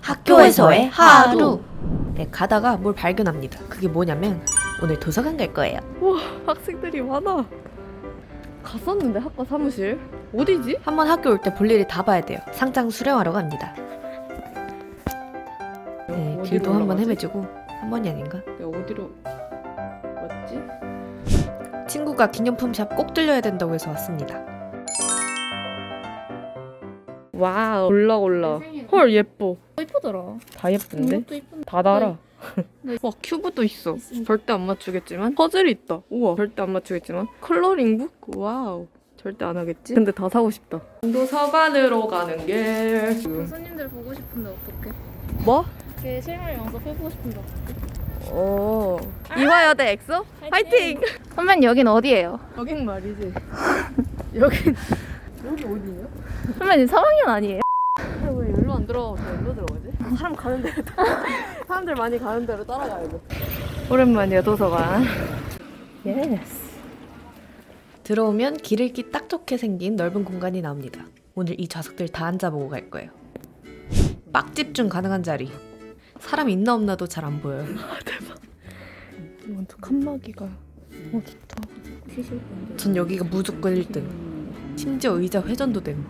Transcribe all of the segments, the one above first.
학교에서의 하루. 네, 가다가 뭘 발견합니다. 그게 뭐냐면 오늘 도서관 갈 거예요. 우와, 학생들이 많아. 갔었는데 학과 사무실 어디지? 한번 학교 올 때 볼 일이 다 봐야 돼요. 상장 수령하러 갑니다. 네, 어디로 길도 한번 올라가지? 헤매주고 한 번이 아닌가? 내가 어디로 왔지? 친구가 기념품 샵 꼭 들려야 된다고 해서 왔습니다. 와우, 올라. 헐, 예뻐. 이쁘더라. 다 예쁜데? 이것도 이쁜데. 다 달아. 네. 와, 큐브도 있어. 있습니다. 절대 안 맞추겠지만. 퍼즐이 있다. 우와, 절대 안 맞추겠지만. 컬러링북? 와우. 절대 안 하겠지? 근데 다 사고 싶다. 도서관으로 가는 길. 교수님들 보고 싶은데 어떡해? 뭐? 이렇게 실물 영상 해보고 싶은데 어떡해? 이화여대 엑소? 화이팅! 선배님 여긴 어디예요? 여긴 말이지. 여기 어디예요? 선배님 3학년 아니에요? 왜 여기로 안 들어가고 여기로 들어가지? 사람 가는 대로 사람들 많이 가는 대로 따라가야 돼. 오랜만이야 도서관. 예스. 들어오면 길 읽기 딱 좋게 생긴 넓은 공간이 나옵니다. 오늘 이 좌석들 다 앉아보고 갈 거예요. 빡 집중 가능한 자리. 사람 있나 없나도 잘 안 보여요. 완전 칸막이가 좋다. 전 여기가 무조건 1등. 심지어 의자 회전도 됨.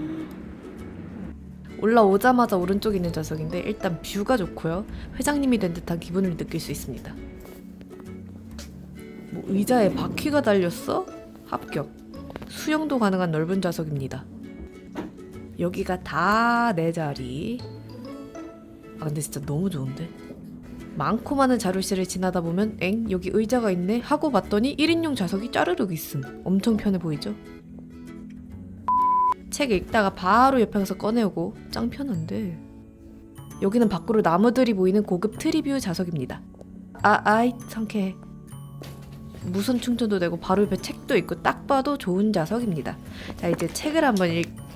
올라오자마자 오른쪽에 있는 좌석인데 일단 뷰가 좋고요. 회장님이 된 듯한 기분을 느낄 수 있습니다. 뭐 의자에 바퀴가 달렸어? 합격. 수영도 가능한 넓은 좌석입니다. 여기가 다 내 자리. 아 근데 진짜 너무 좋은데? 많고 많은 자료실을 지나다 보면 엥? 여기 의자가 있네? 하고 봤더니 1인용 좌석이 짜르륵 있음. 엄청 편해 보이죠? 책 읽다가 바로 옆에 가서 꺼내오고 짱 편한데. 여기는 밖으로 나무들이 보이는 고급 트리뷰 좌석입니다. 아이 상쾌해. 무선 충전도 되고 바로 옆에 책도 있고 딱 봐도 좋은 좌석입니다. 자 이제 책을 한번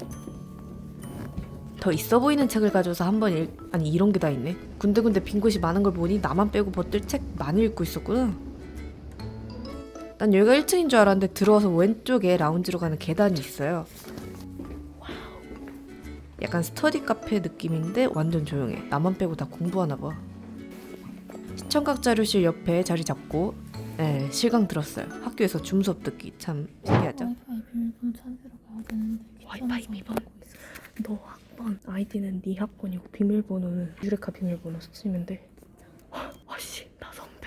더 있어 보이는 책을 가져서 한번 아니 이런 게 다 있네. 군데군데 빈 곳이 많은 걸 보니 나만 빼고 벗들 책 많이 읽고 있었구나. 난 여기가 1층인 줄 알았는데 들어와서 왼쪽에 라운지로 가는 계단이 있어요. 약간 스터디 카페 느낌인데 완전 조용해. 나만 빼고 다 공부하나 봐. 시청각 자료실 옆에 자리 잡고 실강 들었어요. 학교에서 줌 수업 듣기 참 신기하죠? 와이파이 비밀번호 찾으러 가야 되는데 와이파이 비밀번호. 너 학번 아이디는 네 학번이고 비밀번호는 유레카 비밀번호 쓰시면 돼. 와씨 나 선배.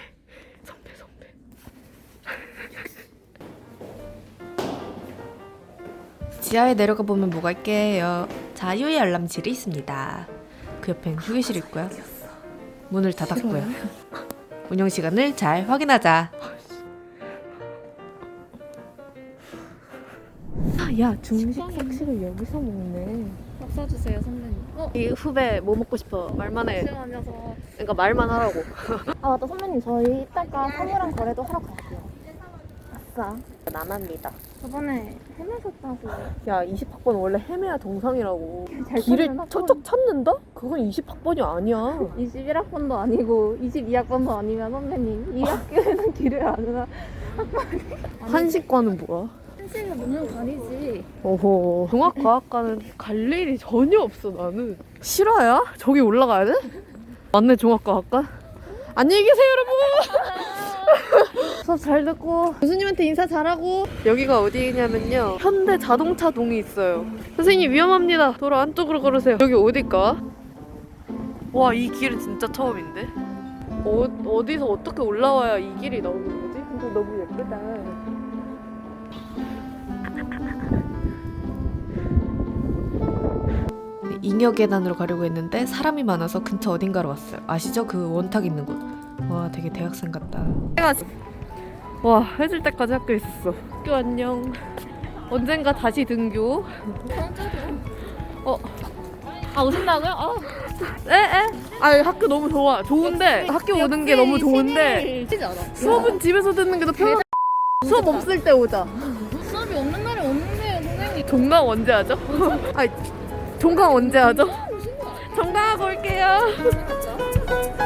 지하에 내려가 보면 뭐가 있게요. 자유의 알람실이 있습니다. 그 옆엔 휴게실 있고요. 문을 닫았고요. 운영 시간을 잘 확인하자. 야 중식 학식을 여기서 먹네. 밥 사주세요 선배님. 이 후배 뭐 먹고 싶어? 말만 해. 잠시만요. 그러니까 말만 하라고. 아 맞다 선배님 저희 이따가 사무랑 거래도 하러 갈게요. 아싸. 나납니다. 저번에 헤매셨다고. 야 20학번 원래 헤매야 정상이라고. 잘 길을 찾는 척척 찾는다? 그건 20학번이 아니야. 21학번도 아니고 22학번도 아니면 선배님 이 학교에는 길을 아느라 한식과는 뭐야? 한시는 너무 다르지. 오호. 종합과학과는 갈 일이 전혀 없어 나는. 실화야? 저기 올라가야 돼? 맞네 종합과학과. 안녕히 계세요 여러분. 수업 잘 듣고 교수님한테 인사 잘하고. 여기가 어디냐면요 현대 자동차 동이 있어요. 선생님 위험합니다. 도로 안쪽으로 걸으세요. 여기 어딜까? 와 이 길은 진짜 처음인데? 어디서 어떻게 올라와야 이 길이 나오는 거지? 근데 너무 예쁘다. 잉여 계단으로 가려고 했는데 사람이 많아서 근처 어딘가로 왔어요. 아시죠? 그 원탁 있는 곳. 와 되게 대학생 같다. 와 해질 때까지 학교에 있었어. 학교 안녕. 언젠가 다시 등교. 아 오신다고요? 학교 너무 좋아. 좋은데 학교 오는 게 너무 좋은데 치지 않아. 수업은 집에서 듣는 게 더 편하. 수업 없을 때 오자. 수업이 없는 날이 없는데요 선생님. 종강 언제 하죠? 아니 종강 언제 하죠? 종강하고 올게요.